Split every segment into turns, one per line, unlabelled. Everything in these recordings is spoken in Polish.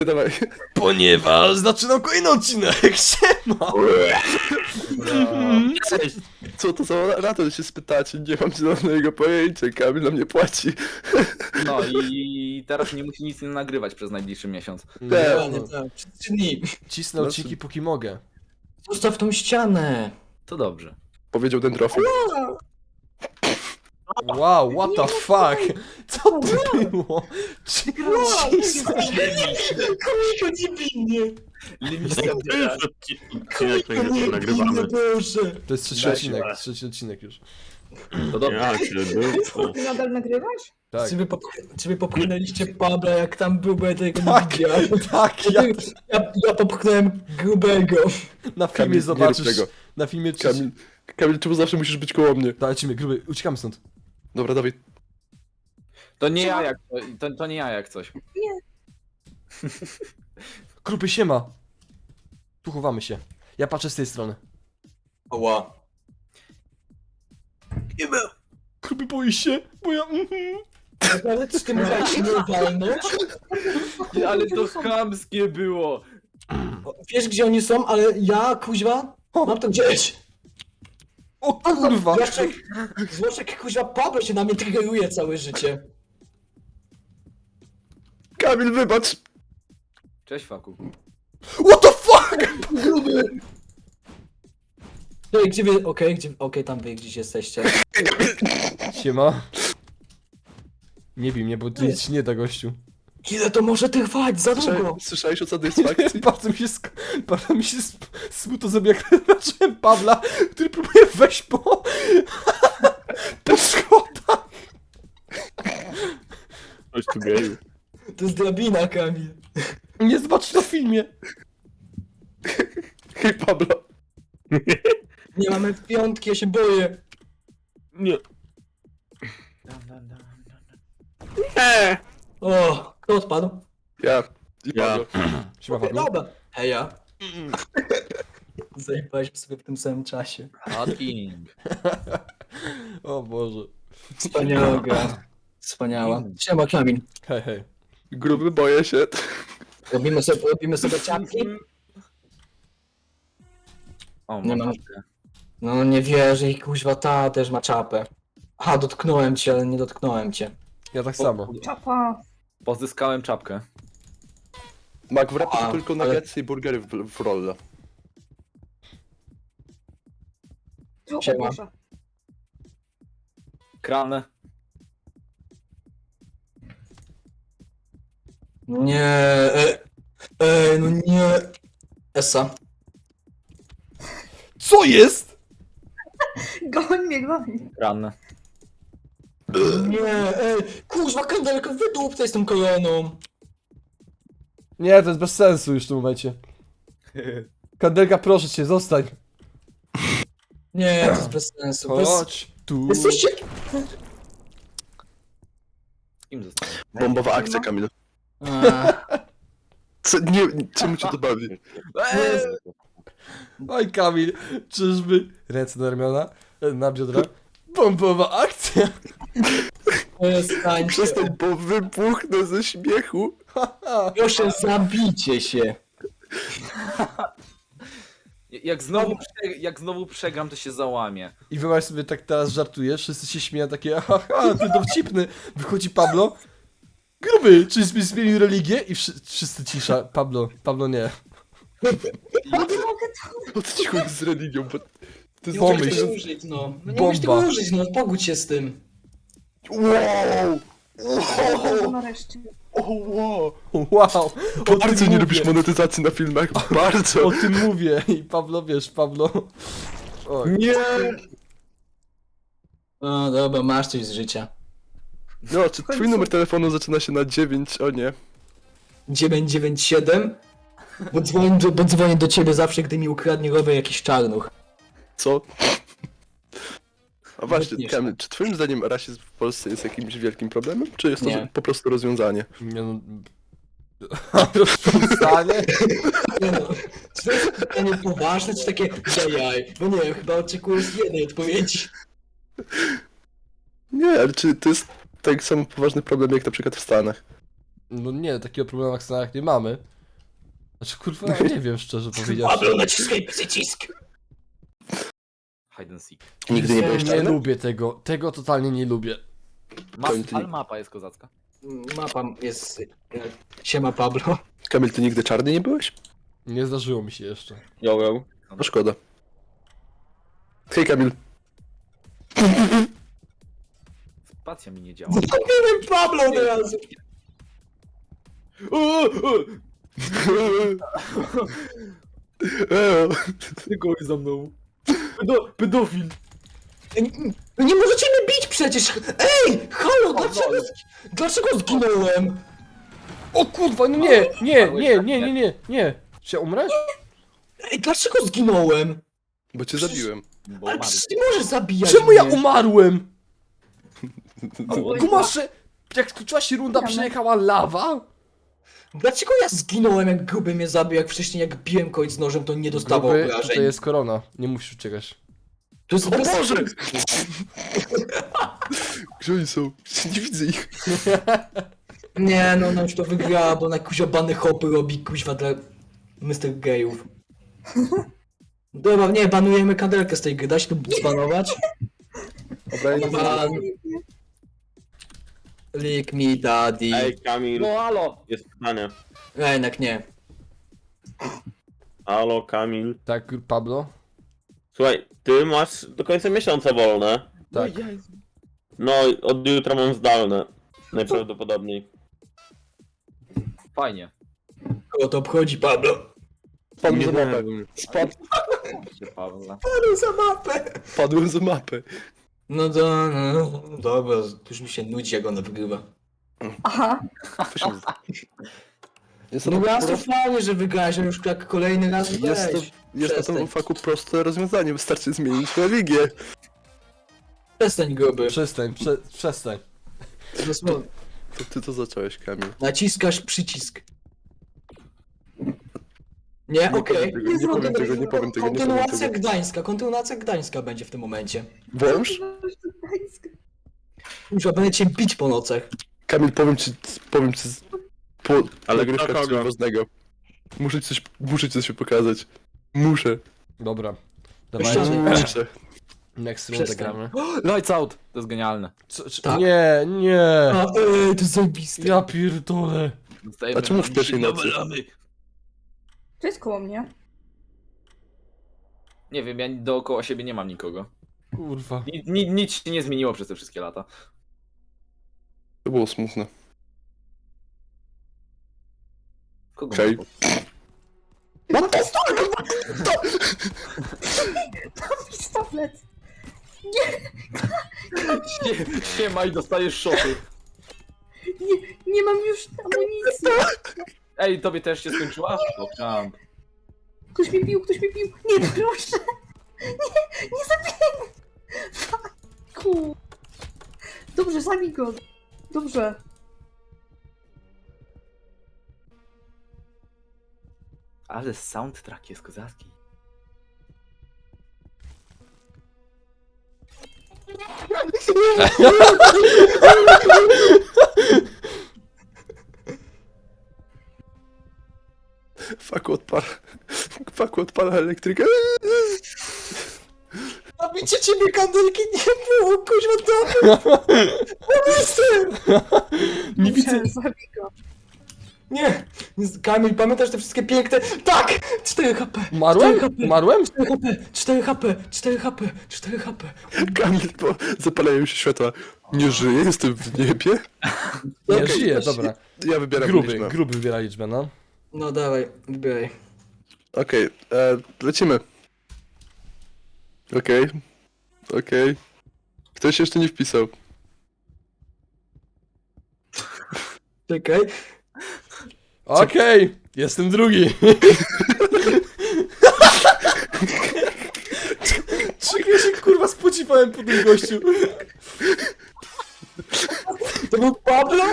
Dawaj.
Ponieważ zaczynam kolejny odcinek, siema!
Cześć.
Co to za raton się spytacie? Nie mam zielonego pojęcia, Kamil na mnie płaci.
No i teraz nie musi nic nie nagrywać przez najbliższy miesiąc.
Dokładnie tak, przez 3 dni.
Cisnę odcinki póki mogę.
Zostaw tą ścianę.
To dobrze.
Powiedział Dendrofil.
Wow, what the fuck? Co to było? Cisnę.
Koliko niewinnie.
Odcinek
Niewinnie, Boże.
To jest trzeci odcinek, trzeci odcinek już.
To dobrze.
Ty nadal nagrywasz?
Tak,
Czy wy popchnęliście Pabla, jak tam był, bo ja tego nie
Tak.
widziałem.
tak,
Ja popchnąłem grubego.
na
Kamil,
filmie
nie
zobaczysz,
rób tego.
na filmie
Kamil, czemu zawsze musisz być koło mnie?
Dajcie gruby, uciekamy stąd.
Dobra, dawaj.
To nie ja jak to nie ja jak coś.
Gruby siema. Tu chowamy się. Ja patrzę z tej strony.
Oła.
Gruby boi się, bo ja...
Ale czy ty mówisz nie walnąć?
Ale to chamskie było.
Wiesz gdzie oni są, ale ja, kuźwa, mam to gdzieś.
O kurwa!
Zwłaszcza jak kuźwa Pablo się na mnie triggeruje całe życie.
Kamil, wybacz!
Cześć Faku.
What the fuck?
Gruby! No i gdzie wy, okej, tam wy gdzieś jesteście.
Siema. Nie bij mnie, bo tu nic nie da, gościu.
Ile to może trwać? Za długo!
Słyszałeś o satysfakcji?
Bardzo mi się smutno zrobiło, jak zobaczyłem Pawla, który próbuje wejść po schodach.
Chodź tu geju.
To jest drabina, Kamil.
Nie zobaczysz na filmie.
Hej, Pablo.
Nie mamy piątki, ja się boję.
Nie.
O, kto odpadł?
Ja. I
Ja.
Pablo.
Siema, Pawlo.
Dobra. Heja. Zajebałeś sobie w tym samym czasie.
Hot King.
O Boże.
Wspaniała gra. Wspaniała. Siema, Kamil.
Hej, hej.
Gruby, boję się.
Robimy sobie czapki?
O,
Nie
mam
mam. No nie wierzę i kuźwa ta też ma czapę. Aha, dotknąłem cię, ale nie dotknąłem cię.
Ja tak samo.
Czapa.
Pozyskałem czapkę.
Mak, wrapasz
A,
tylko
ale-
nuggetsy i burgery w rolle.
O
Siema.
Boże.
Kranę.
Nie, no nie. Essa.
Co jest?
Goń mnie, goń.
Kranę.
Nie, kuźwa, kandelko, wydłupcaj z tą koroną.
Nie, to jest bez sensu już w tym momencie. Kandelka, proszę cię, zostań.
Nie, to jest bez sensu.
Chodź tu.
Jesteście...
Z kim zostałem?
Bombowa akcja, Kamil.
A,
Czemu cię to bawi?
Oj, Kamil, czyżby ręce na ramiona, na biodra? Bombowa akcja!
przestańcie.
Przestań, bo wybuchnę ze śmiechu.
Proszę, zabijcie się.
Jak znowu przegram, to się załamię.
I wyobraź sobie, tak teraz żartujesz, wszyscy się śmieją, takie haha, ty dowcipny. Wychodzi Pablo. Gruby, czy zmienił religię? I wszyscy cisza. Pablo nie.
Nie mogę to.
O co ci chodzi z religią? Bo to jest
Nie możesz
Pomyśl.
tego użyć, no. No nie możesz
Bomba.
tego użyć, no. Pogódź się z tym.
Wow!
Boże, nareszcie.
Wow!
Wow, o
Bardzo
tym
nie
mówię.
lubisz monetyzacji na filmach, bardzo!
O tym mówię. I Pablo, wiesz, Pablo. Oj.
Nie!
No dobra, masz coś z życia.
No, czy twój numer telefonu zaczyna się na 9? O nie.
997? Bo dzwonię do ciebie zawsze, gdy mi ukradnie rower jakiś czarnuch.
Co? A właśnie,
Wytniesz.
Kamil, czy twoim zdaniem rasizm w Polsce jest jakimś wielkim problemem? Czy jest to
Nie.
po prostu rozwiązanie?
Nie no... Rozwiązanie?
Nie no, czy to jest pytanie poważne, czy takie jajaj? Bo nie wiem, chyba oczekujesz jednej odpowiedzi.
Nie, ale czy to jest tak samo poważny problem jak na przykład w Stanach?
No nie, takiego problemu jak Stanach nie mamy. Znaczy kurwa, ja nie wiem szczerze powiedziawszy.
Pablo, naciskaj przycisk!
Hide and seek.
Nigdy nie byłeś
Nie
czarny?
lubię tego. Tego totalnie nie lubię.
Ale mapa jest kozacka.
Mapa jest... Siema Pablo.
Kamil, ty nigdy czarny nie byłeś?
Nie zdarzyło mi się jeszcze.
Yo.
No szkoda. Hej Kamil.
Spacja mi nie działa.
Zabiłem Pablo od razu.
Tylko za mną. Pedofil.
No nie możecie mnie bić przecież! Ej! Halo, dlaczego zginąłem?
O kurwa, no nie. Czy ja umrę?
Ej, dlaczego zginąłem?
Bo cię zabiłem.
Bo
Ale
umarł.
przecież nie możesz zabijać
Czemu ja
mnie.
umarłem?
O,
Gumasze, jak skończyła się runda, przyjechała lawa?
Dlaczego ja zginąłem, jak gruby mnie zabił, jak wcześniej jak biłem kogoś z nożem, to nie dostawał
Gruby,
obrażeń?
tutaj jest korona. Nie musisz uciekać.
To jest
O Boże! Gdzie oni są? Nie widzę ich.
Nie, no ona już to wygrała, bo na kuźwa bany hopy robi kuźwa dla Mr. Gejów. Dobra, nie, banujemy kandelkę z tej gry, da się to zbanować?
Dobra, ja nie
Ban. Lick me daddy.
Ej, Kamil,
No halo!
jest pytanie.
Jednak nie.
Halo, Kamil.
Tak, Pablo?
Słuchaj, ty masz do końca miesiąca wolne.
Tak.
No, od jutra mam zdalne. Najprawdopodobniej.
Fajnie.
Kogo to obchodzi, Pablo?
Spadłem za
Nie
mapę.
wiem.
Się Pawła.
Padł za mapę!
Padłem za mapę.
No to, no, dobra, już mi się nudzi, jak ona wygrywa.
Aha,
Jest
No
to,
raz to fajnie, że wygrałeś, ale już jak kolejny raz
jest to,
weź.
jest na tym
Przestań.
faku proste rozwiązanie. Wystarczy zmienić religię.
Przestań gruby.
Przestań.
Dosłownie.
To ty to zacząłeś, Kamil.
Naciskasz przycisk. Nie, okej.
Nie powiem tego, nie powiem tego, nie powiem
Kontynuacja
tego.
Gdańska, kontynuacja Gdańska będzie w tym momencie.
Wąż?
Już będę cię bić po nocach.
Kamil, powiem ci po
Ale
nagrywkach
kto
coś
kogo?
ważnego. Muszę ci coś pokazać. Muszę.
Dobra.
Przestań.
Dawajcie.
Muszę.
Next rundę
Przestań.
gramy.
Lights out! To jest genialne.
Tak.
Nie.
A, to jest zajebiste.
Ja pierdolę.
Dostajemy
A czemu w pierwszej nocy?
to jest koło mnie.
Nie wiem, ja dookoła siebie nie mam nikogo.
Kurwa.
Nic się nie zmieniło przez te wszystkie lata.
To było smutne.
Kogo
Hej.
mam?
No to jest pistolet.
Siema i dostajesz szoty.
Nie mam już amunicji.
Ej, tobie też się skończyła? Pokrzam.
Ktoś mnie bił. Nie, proszę. Nie zabijaj mnie. Fuck. Dobrze, zabij go. Dobrze.
Ale soundtrack jest kozacki.
Faku odpala elektrykę.
A bicie ciebie kandelki nie było, kuźwa, dobra.
Nie widzę.
Dobrze, zabij go.
Nie. Kamil, pamiętasz te wszystkie piękne... Tak! 4 HP.
Umarłem?
4 HP.
Umarłem?
4 HP, 4 HP, 4 HP, 4 HP.
Kamil, bo zapalają się światła. Nie żyję, jestem w niebie.
Nie,
Okej,
żyję,
właśnie.
dobra.
Ja wybieram
Gruby
liczbę.
wybiera liczbę, no.
No dawaj, wybieraj.
Okej, lecimy. Okej. Ktoś jeszcze nie wpisał.
Czekaj.
Okej, jestem drugi. Czego ja się kurwa spodziewałem po tym gościu?
To był Pablo?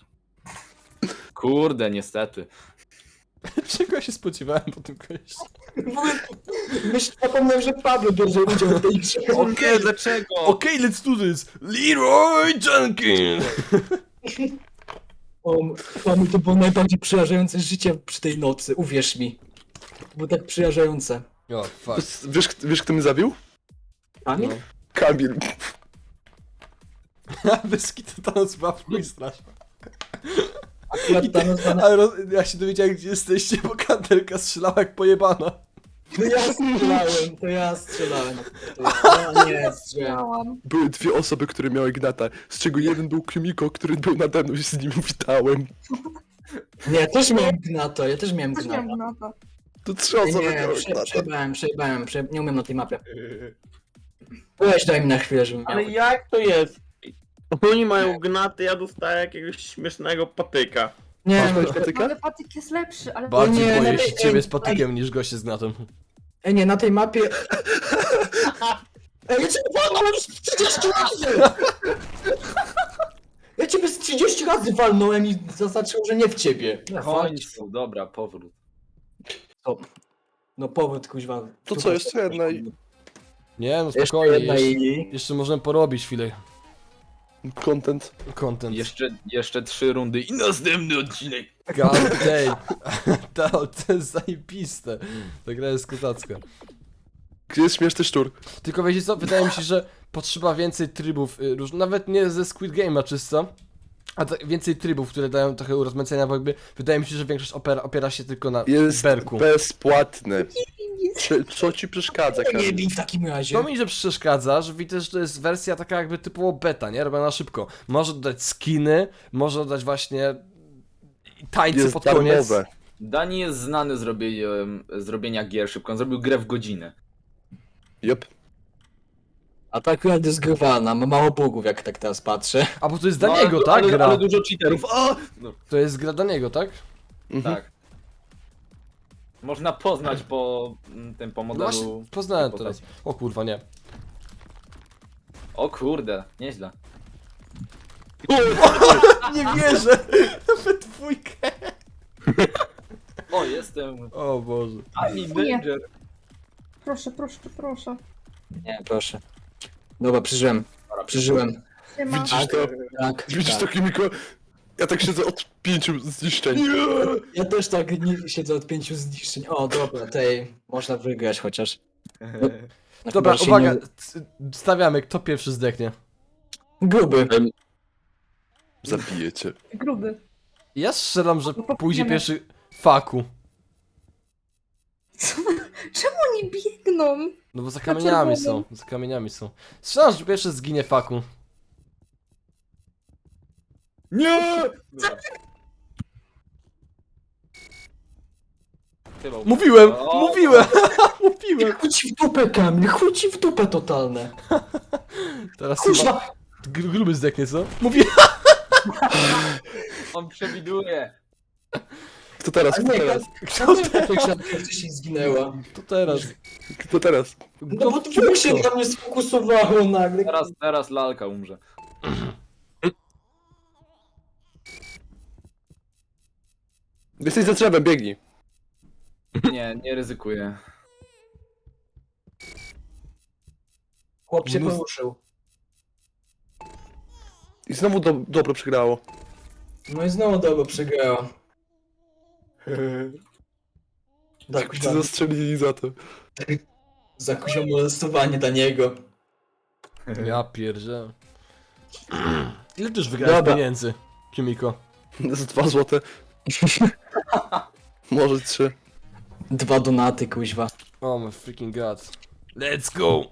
Kurde, niestety.
Czego ja się spodziewałem po tym gościu?
Zapomniałem, że Pablo bierze udział w tej grze.
Okej, dlaczego?
Okej, let's do this! Leroy Jenkins!
O, Pablo, to było najbardziej przerażające życie przy tej nocy, uwierz mi. Było tak przerażające.
O, fuck.
Wiesz kto mnie zabił?
Kamil?
Kamil.
Wyski to nas była w chuj straszna.
Akurat ta nazwa...
Ale ja się dowiedziałem, gdzie jesteście, bo kandelka strzelała jak pojebana.
To ja strzelałem. Nie, strzelałem.
Miałam.
Były dwie osoby, które miały Gnata, z czego jeden był Kumiko, który był nade mną i z nim witałem.
Nie, ja też miałem Gnata, ja też miałem
Też
Gnata.
miałam gnata.
To trzy osoby
Nie,
miały Gnata.
przejebałem, nie umiem na tej mapie. Weź daj mi na chwilę, żebym miał.
Ale jak to jest? Oni mają gnaty, ja dostaję jakiegoś śmiesznego patyka.
Nie,
Masz
no,
ktoś patyka?
Ale patyk jest lepszy, ale...
Bardziej
nie,
boję
no
się
nie,
ciebie
nie,
z patykiem niż goście z gnatem.
nie, na tej mapie... Ej, ja cię walnąłem już 30 razy! Ja ciebie z 30 razy walnąłem i zaznaczyłem, że nie w ciebie.
W końcu, dobra, powrót.
No powrót, kuźwa.
To co, jeszcze jedna i...
Nie, no
Jeszcze
spokojnie,
jedna
jeszcze,
i...
możemy porobić chwilę
Content.
content.
Jeszcze 3 rundy i następny odcinek.
God damn. To jest zajebiste. Ta gra jest kozacka.
Gdzie jest śmieszny szczur?
Tylko wiecie co, wydaje mi się, że potrzeba więcej trybów, nawet nie ze Squid Game'a czysto, a więcej trybów, które dają trochę urozmaicenia, bo jakby wydaje mi się, że większość opiera się tylko na
Jest
berku.
bezpłatny. Co ci przeszkadza,
Nie
Kamil?
bij w takim razie.
To mi że przeszkadza, że widzę, że to jest wersja taka jakby typowo beta, nie? Robiona na szybko. Może dodać skiny, może dodać właśnie tańce
Jest
pod koniec.
darmowe.
Dani jest znany z zrobienia gier szybko, on zrobił grę w godzinę.
Jep.
A ta akurat jest grywana, ma mało bugów, jak tak teraz patrzę.
A bo to jest dla niego, tak? Gra.
Ale dużo cheaterów. O! No,
To jest gra dla niego, tak?
Mhm.
tak. Można poznać po tym, po
No właśnie,
modelu.
poznałem
postaci.
teraz. O kurwa, nie.
O kurde, nieźle.
Nie wierzę! We dwójkę!
O, jestem.
O Boże.
Ani
Nie.
Danger.
Proszę, proszę, proszę.
Nie, proszę. Dobra, przeżyłem.
Nie ma.
Widzisz to?
Tak,
Widzisz
tak.
to, Kumiko? Ja tak siedzę od 5 zniszczeń.
Ja też tak nie siedzę od 5 zniszczeń. O, dobra, tej można wygrać chociaż.
Dobra,
Chyba się
uwaga,
nie-
stawiamy, kto pierwszy zdechnie.
Gruby.
Zabiję cię.
Gruby.
Ja strzelam, że
No to
pójdzie
wiemy.
pierwszy Faku.
Co? Czemu oni biegną?
No bo za kamieniami są,
czerwonym.
za kamieniami są. Strzelam, że pierwszy zginie Faku.
Nie!
Mówiłem,
O!
mówiłem, mówiłem.
Chuj ci w dupę, Kamil, chuj ci w dupę totalne.
Teraz chyba
Kuźwa,
gruby zdechnie, co? Mówiłem.
On przewiduje.
Kto teraz?
a
Kto
nie,
teraz?
Kto
wcześniej zginęła.
To teraz.
Kto teraz?
No bo to się na mnie sfokusowało nagle.
Teraz lalka umrze.
Jesteś za drzewem, biegnij.
Nie ryzykuję.
Chłop się
Mnóstwo-
poruszył.
I znowu dobro przegrało.
No i znowu dobro przegrała. Tak,
Cię zastrzelili za to.
za kuzią molestowanie dla niego.
Ja pierdzę. Ile ty już wygrałeś
Dobra.
pieniędzy, Kimiko?
Z 2 złote. Może 3.
2 donaty, kuźwa.
Oh my freaking god. Let's go!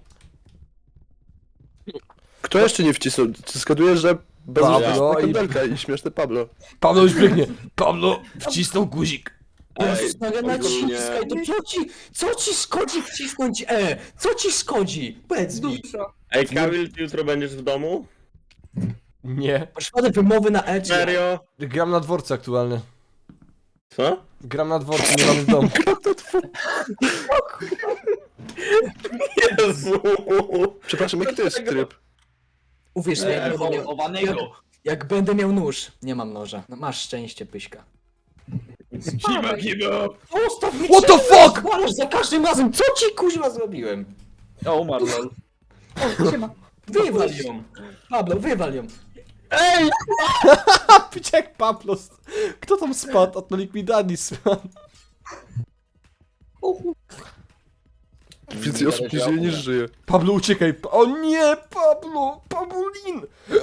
Kto jeszcze nie wcisnął? Zgaduję, że bez
Pablo i-
kandelka i śmieszny Pablo.
Pablo już biegnie. Pablo wcisnął guzik.
Jezus, Maria,
ogólnie-
naciskaj, to co ci szkodzi wcisnąć E? Co ci szkodzi? Powiedz mi.
Dużo.
Ej, Kamil, ty jutro będziesz w domu?
Nie.
Przypadek wymowy na E czy...
Serio?
Gram na dworcu aktualnie.
Co?
Gram na dworcu, nie mamy w domu.
Jezu!
Przepraszam, jaki to jest tryb?
Uwierz mi,
Chowanego.
jak będę miał nóż. Nie mam noża. No, masz szczęście, Pyśka.
Spadaj.
Zostaw mnie!
What the fuck?
Zwalasz za każdym razem! Co ci kuźwa zrobiłem?
O, umarł, lol.
O, siema.
Wywal ją! Pablo, wywal ją!
Pić jak Pablos. Kto tam spadł? Od Liquidani spadł.
O, chu-
Więcej osób nie żyje niż żyje.
Pablo, uciekaj. O nie, Pablo! Pabulin!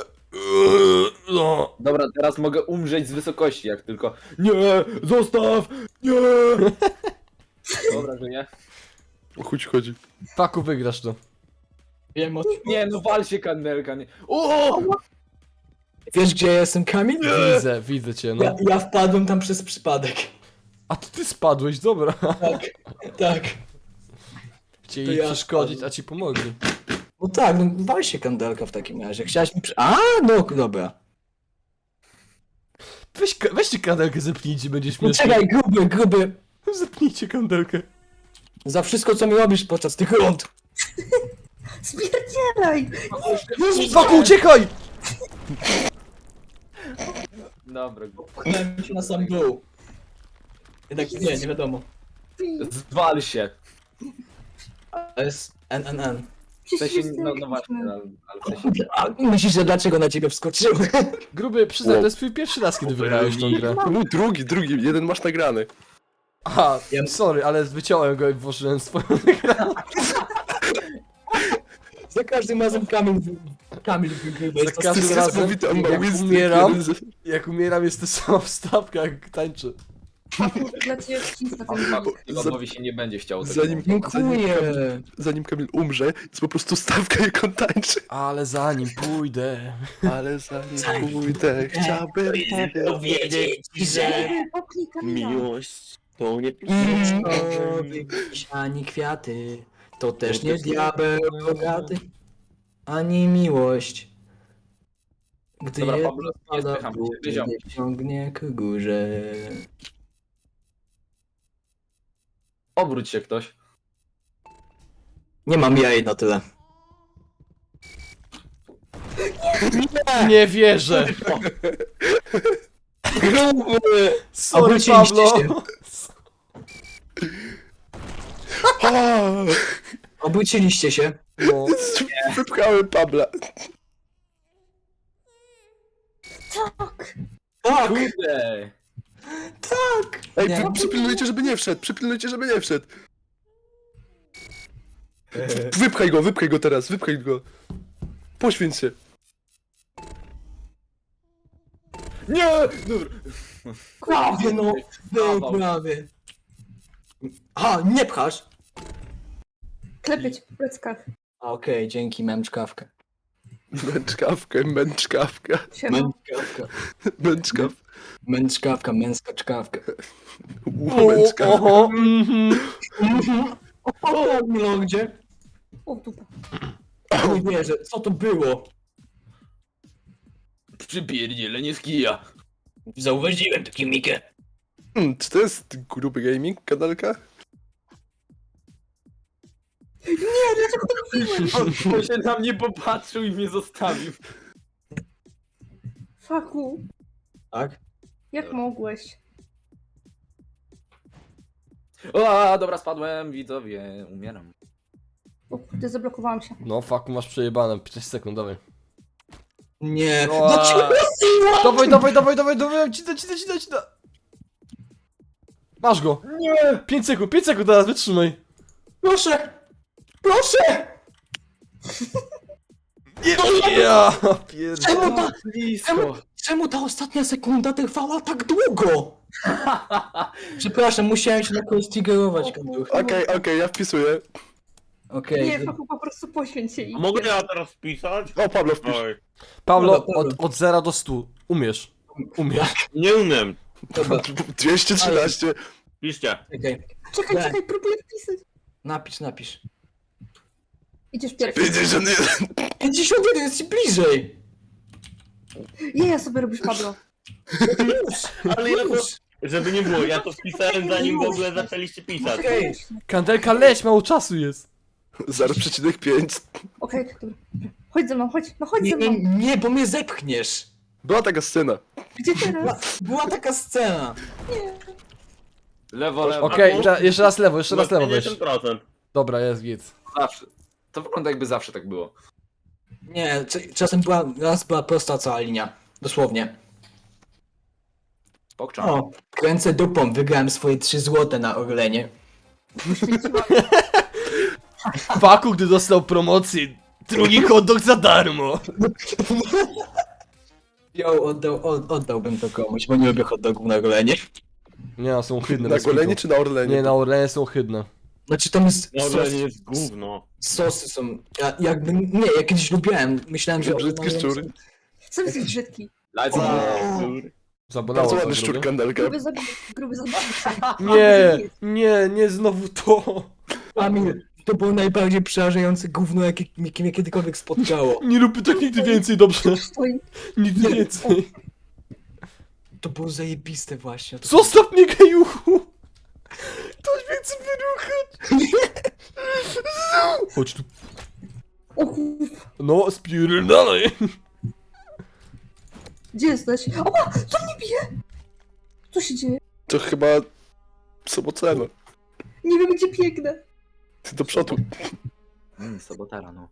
No.
Dobra, teraz mogę umrzeć z wysokości, jak tylko... Nie, zostaw! Nie! Dobra, że nie.
O chuj ci chodzi.
Faku, wygrasz to.
Wiem o
Nie, no wal się kandelka, nie. O!
Wiesz gdzie ja jestem, Kamil?
Widzę cię, no.
Ja wpadłem tam przez przypadek.
A to ty spadłeś, dobra.
Tak, tak.
Chcieli
To
jej
ja
przeszkodzić,
spadłem.
a ci pomogli.
No tak, no wal się kandelka w takim razie. Chciałaś mi A, no dobra.
Weźcie kandelkę, zepnijcie, będzie
No
śmiesznie.
czekaj, gruby.
Zepnijcie kandelkę.
Za wszystko co mi robisz podczas tych rund.
Spierdzielaj!
Faku, uciekaj!
Dobra,
Pchnąłem się na sam dół. Jednak nie wiadomo.
zwal się.
To jest NNN.
W sensie,
Przecież
no właśnie, ale w sensie...
A myślisz, że dlaczego na ciebie wskoczyłem?
Gruby, przyznaj, to jest twój pierwszy raz, kiedy wygrałeś tą grę.
No drugi, jeden masz nagrany.
Aha,
Ja-
sorry, ale wyciąłem go i włożyłem swoją
Za każdym razem Kamil wygrywa.
Za
Jest to
każdym
To jest
razem,
niesamowite, on ma
jak
wisdom
umieram,
jeden z-
jak umieram jest to sama wstawka, jak tańczy.
dla ciebie wcisk na
A
ten
fakt, Iwanowi się nie będzie chciało tego.
Dziękuję.
Zanim Kamil umrze, jest po prostu stawka jak on tańczy.
Ale zanim pójdę...
Ale zanim pójdę, chciałbym
Powiedzieć ci, że
Popnij Kamila.
miłość to nie
Ani kwiaty, to też nie diabeł rogaty, ani miłość. Gdy
Dobra,
jedna
Pablo, nie
spada
spycham
w
cię,
dół,
wyziom.
nie ciągnie ku górze.
Obróć się ktoś.
Nie mam jaj na tyle.
Nie wierzę! Sorry,
Obróciliście
Pablo!
się.
A,
Obróciliście się.
No.
Wypchałem Pabla.
Tak!
Tak,
Kurde!
tak.
Ej,
Nie.
przypilnujcie, żeby nie wszedł, przypilnujcie, żeby nie wszedł. Wypchaj go teraz, wypchaj go. Poświęć się.
Nie! Dobra.
Prawie no, był
Kawał.
prawie. A, nie pchasz.
Klepię cię po pleckach.
Okej, dzięki, męczkawkę.
Męczkawka.
Siema.
Męczkawka.
Męczkaw.
Męczkawka, męska czkawka.
Męczkawka.
Oho, mhm.
O, gdzie?
O, dupa.
Nie wierzę, co to było?
Przypierdzielenie z kija.
Zauważyłem taki Mikę.
Czy to jest gruby gaming, kanalka?
On się na mnie popatrzył i mnie zostawił.
Faku,
Tak?
jak mogłeś?
O, dobra, spadłem, widzowie, umieram.
O kurde, zablokowałam się.
No, faku, masz przejebane. 15 sekund, dawaj.
Nie.
O,
No ci
Dawaj, ci da. Masz go.
Nie!
5 sekund teraz, wytrzymaj.
Proszę! Proszę!
Ja
Czemu
pierdolę.
ta,
Blisko.
czemu ta ostatnia sekunda trwała tak długo? Przepraszam, musiałem się na kogoś triggerować, Kanduch.
Okej, ja wpisuję.
Okej.
Nie, Faku, po prostu poświęć się i...
A mogę ja teraz wpisać?
O, Pablo wpisz.
Oj,
Pablo,
Dobra.
od 0 do 100. Umiesz.
nie umiem.
Dobra,
213.
Piszcie.
czekaj.
Czekaj,
Nie.
czekaj, próbuję wpisać.
Napisz.
Idziesz pierwszy.
51.
51 jest ci bliżej!
Ja sobie robisz, Pablo.
Ale ja to, żeby nie było, ja to wpisałem zanim w ogóle zaczęliście pisać.
Okej.
Kandelka, leć, mało czasu jest.
0,5.
Okej, dobra. Chodź ze mną, chodź. No chodź
Nie,
ze mną.
nie, bo mnie zepchniesz.
Była taka scena.
Gdzie teraz?
Była taka scena.
Lewo, lewo.
Okej, jeszcze raz lewo weź.
50%.
Dobra, jest git.
Zawsze. To wygląda jakby zawsze tak było.
Nie, czasem raz była prosta cała linia. Dosłownie.
Pokczam.
O, kręcę dupą, wygrałem swoje 3 złote na Orlenie.
Faku, gdy dostał promocję, drugi hot dog za darmo.
Oddałbym to komuś, bo nie lubię hot dogów na Orlenie.
Nie, no, są hydne.
Na
bez kitu.
Golenie czy na Orlenie?
Nie, na Orlenie są hydne.
Znaczy tam jest
No ale nie jest gówno.
sosy są, ja kiedyś lubiłem, myślałem, że...
Brzydki szczur.
Sam jesteś brzydki.
Lecę.
Zabolało
Bardzo
to
ładny szczur
drugie.
kandelka.
Gruby zabawca.
Nie, znowu to.
Amir, to było najbardziej przerażające gówno, jakie mnie kiedykolwiek spotkało.
Nie róbmy tak nigdy więcej, dobrze?
Stoi.
Nigdy więcej.
To było zajebiste właśnie. To
Zostaw mnie, gejuchu! Ktoś mnie chce wyruchać! Chodź tu.
O kurwa.
No, spierdalaj!
Gdzie jesteś? Oła! Co mnie bije? Co się dzieje?
To chyba Sobocena.
Nie wiem gdzie biegnę.
Ty do przodu.
Sobotara, no.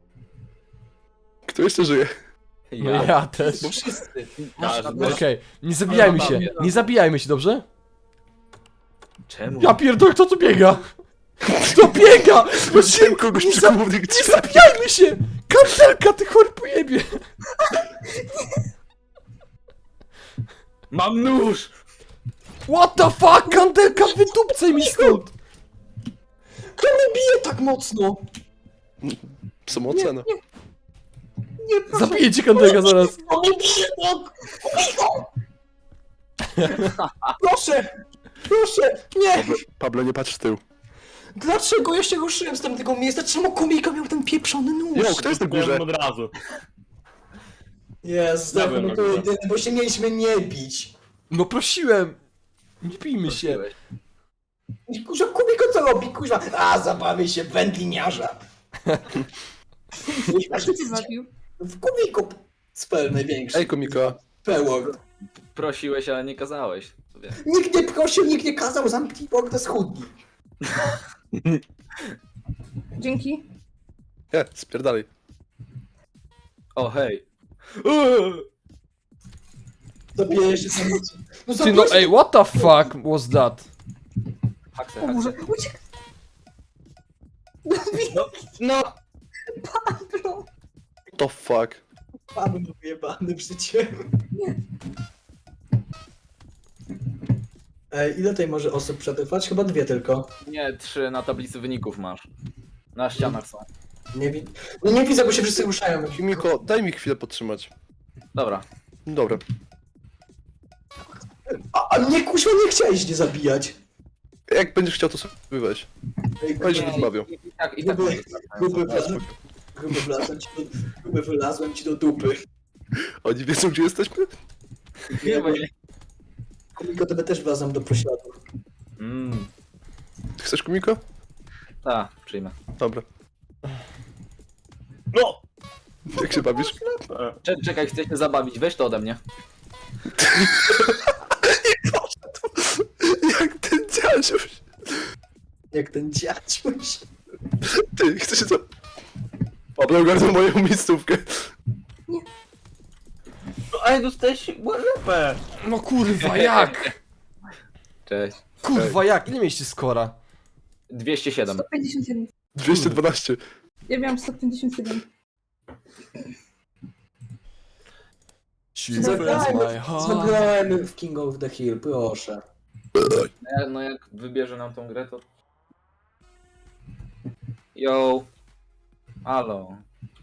Kto jeszcze żyje?
No ja też.
Bo wszyscy.
Okej, nie zabijajmy się, nie zabijajmy się, dobrze?
Czemu?
Ja pierdolę, kto tu biega? Kto biega?
Widziałem kogoś przy głównych
Nie
drzwiach.
zabijajmy się! Kartelka, ty chory pojebie!
Mam nóż!
What the fuck, Kandelka, wydupcaj mi stąd!
Kto mnie bije tak mocno?
Samocena.
Nie, proszę.
Zabiję cię, Kandelka, zaraz.
On mnie bije tak! Proszę! Proszę! Nie!
Pablo, nie patrz w tył.
Dlaczego ja się ruszyłem z tamtego miejsca? Czemu komika miał ten pieprzony nóż?
Jo, kto jest na górze?
Od razu.
Jezus,
Ja byłem
no
na
to
górze.
jedyne, bo się mieliśmy nie bić.
No prosiłem! Nie bijmy się.
Kurwa, Kubiko co robi? Kurwa, a zabawię się w wędliniarza.
A kto cię zabił?
W Kubiku spell największy.
Ej, komika.
Pełor.
Prosiłeś, ale nie kazałeś. Sobie.
Nikt nie prosił, nikt nie kazał, zamknij mordę z chudni.
Dzięki.
Nie, spierdalaj.
O, hej.
Zabiję się sam. No
Ty no, ej, what the fuck was that?
Haksę,
O Boże,
haksę.
uciekaj.
No,
Pablo.
To fuck.
Paweł był wyjebany w życie. Ej, ile tutaj może osób przetrwać? Chyba 2 tylko.
Nie, 3 na tablicy wyników masz. Na ścianach są.
No nie widzę, bo się wszyscy ruszają.
Miko, daj mi chwilę podtrzymać.
Dobra.
Dobra.
A mnie kuźwa nie chciałeś nie zabijać.
Jak będziesz chciał, to sobie weź.
Ej,
Weź, że
nie,
rozmawiał.
I tak
Gruby,
może
gruby wylazłem ci do dupy.
Oni wiedzą, gdzie jesteśmy?
Nie, bo nie.
Komiko, tebe też wlazłem do pośladów.
Chcesz komiko?
Tak, przyjmę.
Dobra.
No!
Jak się bawisz?
Czekaj, chcę się zabawić, weź to ode mnie.
Jak ten dziadziuś.
Jak ten dziadziuś.
Ty, chcesz się co? Pablo ogarnął moją miejscówkę.
No ej, dostałeś łalepę!
No kurwa, jak?
Cześć.
Kurwa, jak? Ile mieliście skora?
207.
151.
212.
Ja miałam 157.
Zagrajmy w King of the Hill, proszę.
No jak wybierze nam tą grę, to... Yo. Halo.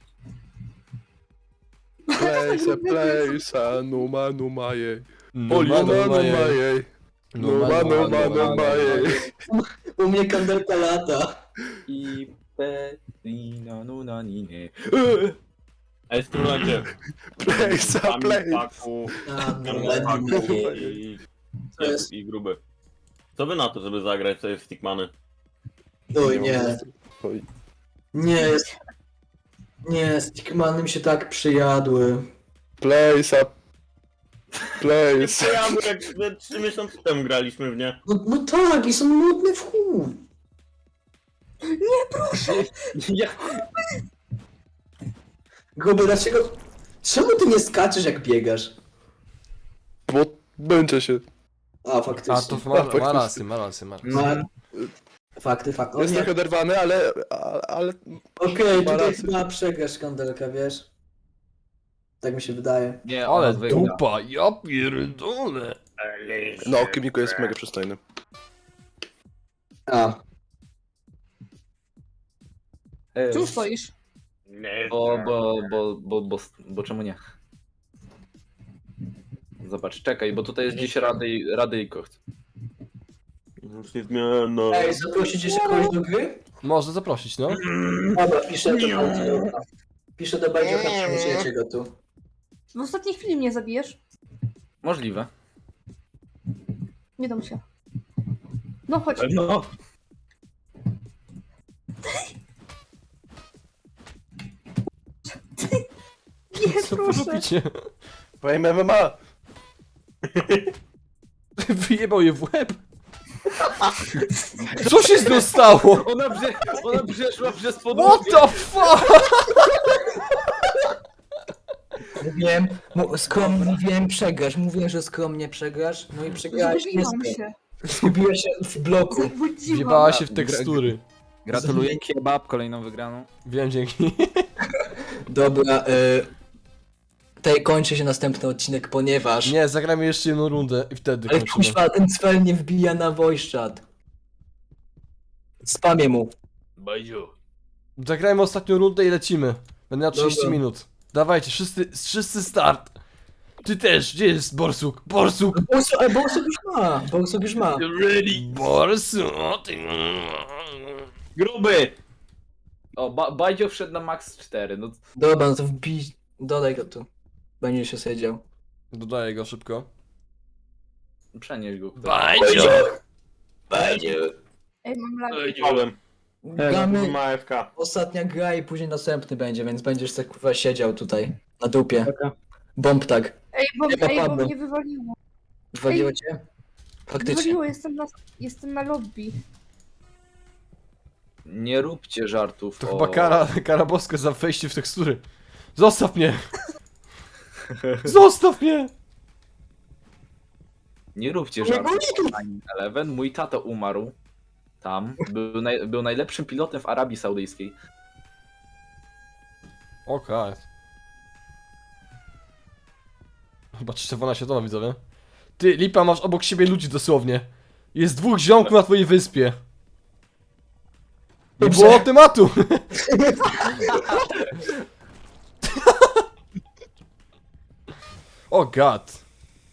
Place, numa, numa, jej.
No,
Numa, numa, jej. Numa, numa, numa, jej.
U mnie kandelka lata.
I Pelina, nuna, nine.
Ej, strzelajcie.
Place, place.
Paku
To jest...
i gruby. Co wy na to, żeby zagrać sobie w Stickmany?
Oj, nie.
Oj.
Nie, jest... Nie, Stickmany mi się tak przyjadły.
Place, Place.
To ja, bo jak 3 miesiące temu graliśmy w nie.
No tak, i są nudne w chuj.
Ja...
Gruby, dlaczego... Czemu ty nie skaczesz jak biegasz?
Bo będzie się.
A, faktycznie.
A to ma
faktycznie.
rację, ma rację, ma rację.
Ma... Fakty. O,
Jest
nie.
trochę oderwany, ale
Okej,
ma
tutaj
rację.
chyba przegrasz kandelka, wiesz? Tak mi się wydaje.
Nie,
Ale
ona wygra.
dupa, ja pierdolę.
no Kimiko jest mega przystojny.
A.
Tu stoisz.
Bo czemu nie? Zobacz, czekaj, bo tutaj jest gdzieś Radyjko.
Już nie zmiana.
Ej, zaprosić jeszcze kogoś do gry?
Można zaprosić, no.
Dobra, piszę do Bajdziocha. Piszę do Bajdziocha, przyjmujecie go tu.
W ostatniej chwili mnie zabijesz.
Możliwe.
Nie dam się. No chodź.
No.
Nie,
Co wy
proszę.
robicie?
Powiem MMA.
Wyjebał je w łeb. Co się z nią stało?
Ona przeszła przez
What
podłogę.
the fuck?
Mówiłem przegrasz, mówiłem, że skromnie przegrasz, no i przegrałeś
Zgubiłam
niestety.
się.
Zgubiłeś się w bloku.
Zabudziłam.
Wjebała się w tekstury.
Gratuluję kebab, kolejną wygraną.
Wiem, dzięki.
Dobra, tutaj kończy się następny odcinek, ponieważ...
Nie, zagramy jeszcze jedną rundę i wtedy
Ale
kończymy.
kuźwa, ten cwel nie wbija na voice chat. Spamię mu.
Bajdziu.
Zagrajmy ostatnią rundę i lecimy. Będę miał 30
Dobra.
minut. Dawajcie, wszyscy start. Ty też, gdzie jest Borsuk? Borsuk!
Borsuk już ma, Borsuk już ma.
Ready.
Borsuk! Ty...
Gruby! O, Bajdzio wszedł na max 4, no
Dobra, no to wbij, dodaj go tu. Będzie się siedział.
Dodaję go szybko.
przenieś go.
Bajdzio!
Ej, mam lag.
Wziąłem.
Gramy,
Ma AFK.
ostatnia gra i później następny będzie, więc będziesz tak kurwa siedział tutaj, na dupie. Bomb tak.
Ej, bo
Nie ma Pablo.
mnie wywaliło.
Wywaliło cię? Faktycznie.
Wywaliło, jestem na lobby.
Nie róbcie żartów.
To chyba kara boska za wejście w tekstury. Zostaw mnie! Zostaw mnie!
Nie róbcie żartów. Ani Eleven. Mój tato umarł. Tam. Był najlepszym pilotem w Arabii Saudyjskiej.
Okej. Chyba trzecia wojna światowa, widzowie. Ty, Lipa, masz obok siebie ludzi dosłownie. Jest 2 ziomków na twojej wyspie. Nie
Dobrze.
było tematu! O god.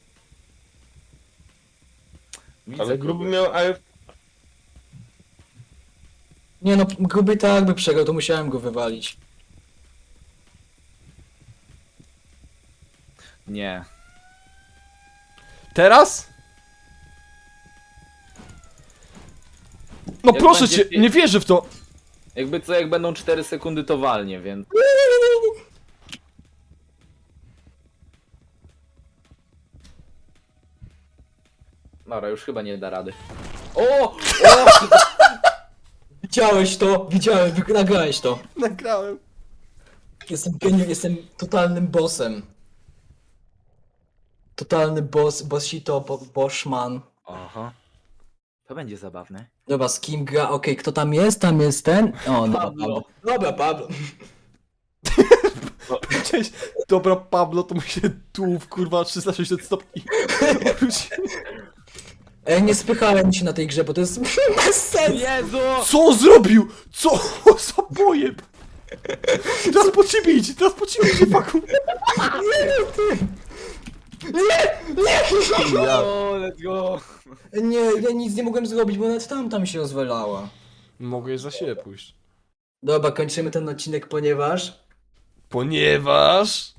Widzę
Ale gruby
kogoś.
miał AFK.
Nie no, gruby tak by przegrał, to musiałem go wywalić.
Nie.
Teraz? No
Jak
proszę
będzie-
cię, nie wierzę w to!
Jakby co, jak będą 4 sekundy, to walnie, więc... Dobra, już chyba nie da rady. O!
Widziałeś to? Widziałem, nagrałeś to.
Nagrałem.
Jestem geniusz, jestem totalnym bossem. Totalny bossito, bossman.
Aha. To będzie zabawne.
Dobra, z kim gra? Okej, kto tam jest? Tam jest ten? O, dobra,
Pablo.
Pablo. Dobra, Pablo.
Cześć. Dobra, Pablo, to mu się tułów, kurwa, 360 stopni.
Ej, nie spychałem się na tej grze, bo to jest bez sensu.
Jezu!
Co on zrobił? Co za pojeb? Teraz po ciebie idzie, teraz po ciebie idzie, faku. Ja.
O, let's go!
Nie, ja nic nie mogłem zrobić, bo nawet tam się rozwalała.
Mogę za siebie pójść.
Dobra, kończymy ten odcinek, ponieważ...
Ponieważ...